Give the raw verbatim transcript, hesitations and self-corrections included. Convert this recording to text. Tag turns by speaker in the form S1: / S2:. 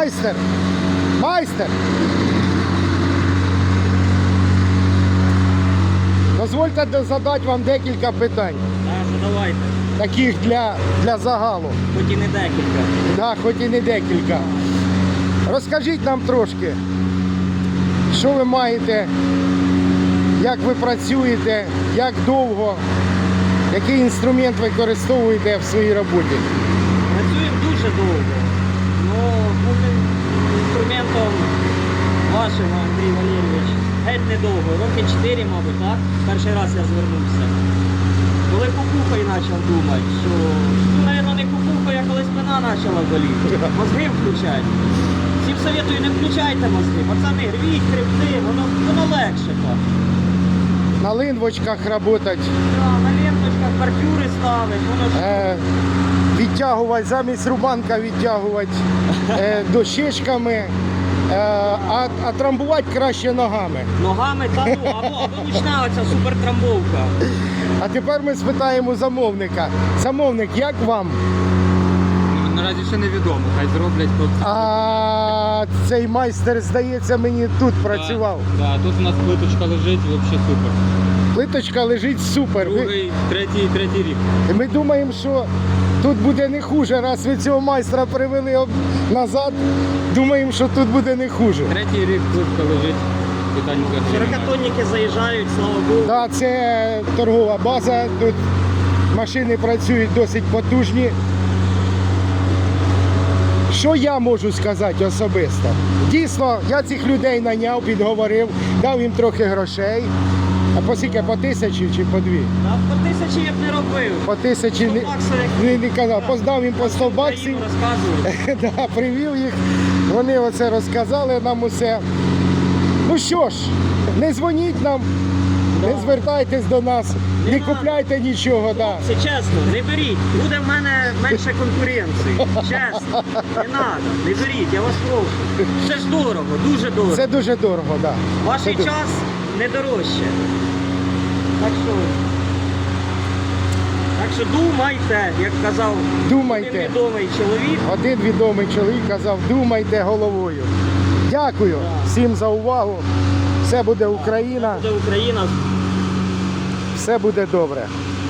S1: Майстер! Майстер! Дозвольте задати вам декілька питань.
S2: Так, задавайте.
S1: Таких для, для загалу.
S2: Хоч і не декілька.
S1: Да, хоч і не декілька. Розкажіть нам трошки, що ви маєте, як ви працюєте, як довго, який інструмент використовуєте в своїй роботі?
S2: Працюємо дуже довго. Ну, бути інструментом вашим, Андрій Валерійович, геть недовго. Роки чотири, мабуть, так? Перший раз я звернувся. Коли кукухою почав думати, що, ну, мабуть, не кукухою, а коли спина почала боліти. Мозги включать. Всім советую, не включайте мозги. Пацани, рвіть, хребти, воно, воно легше так.
S1: На линвочках працювати,
S2: Да, на ленточках бордюри ставить, воно ж...
S1: е, відтягувати, замість рубанка відтягувати е, дощечками, е, а, а трамбувати краще ногами.
S2: Ногами та ну, або, або ручна оця супертрамбовка.
S1: А тепер ми спитаємо замовника. Замовник, як вам?
S3: Наразі ще невідомо, хай зроблять хлопці.
S1: А цей майстер, здається, мені тут працював.
S3: Так, да, тут у нас плиточка лежить, взагалі супер.
S1: Плиточка лежить супер. Ви-
S3: Другий, третій, третій рік.
S1: Ми думаємо, що тут буде не хуже. Раз ви цього майстра привели об- назад, думаємо, що тут буде не хуже.
S3: Третій рік плитка лежить. Питань взагалі немає.
S2: Широкотонники заїжджають, слава Богу.
S1: Да, це торгова база, тут машини працюють досить потужні. Що я можу сказати особисто? Дійсно, я цих людей наняв, підговорив, дав їм трохи грошей. А по скільки? По тисячі чи по дві?
S2: Та по тисячі я б не робив.
S1: По тисячі не,
S2: сто баксів, як-
S1: не, не казав. Поздав їм по сто баксів.
S2: Україну розказують.
S1: Да, привів їх, вони оце розказали нам усе. Ну що ж, не дзвоніть нам, не звертайтесь до нас, не,
S2: Не
S1: купляйте нічого. Да.
S2: Це чесно, не беріть. Буде в мене менше конкуренції. Чесно. Не треба, не беріть, я вас прошу. Це ж дорого, дуже дорого.
S1: Це дуже дорого, так. Да.
S2: Ваш
S1: Це ду-
S2: час не дорожче. Так що, так що думайте, як казав
S1: Думайте.
S2: один відомий чоловік.
S1: Один відомий чоловік казав, думайте головою. Дякую всім за увагу. Все буде Україна,
S2: Це Україна.
S1: все буде добре.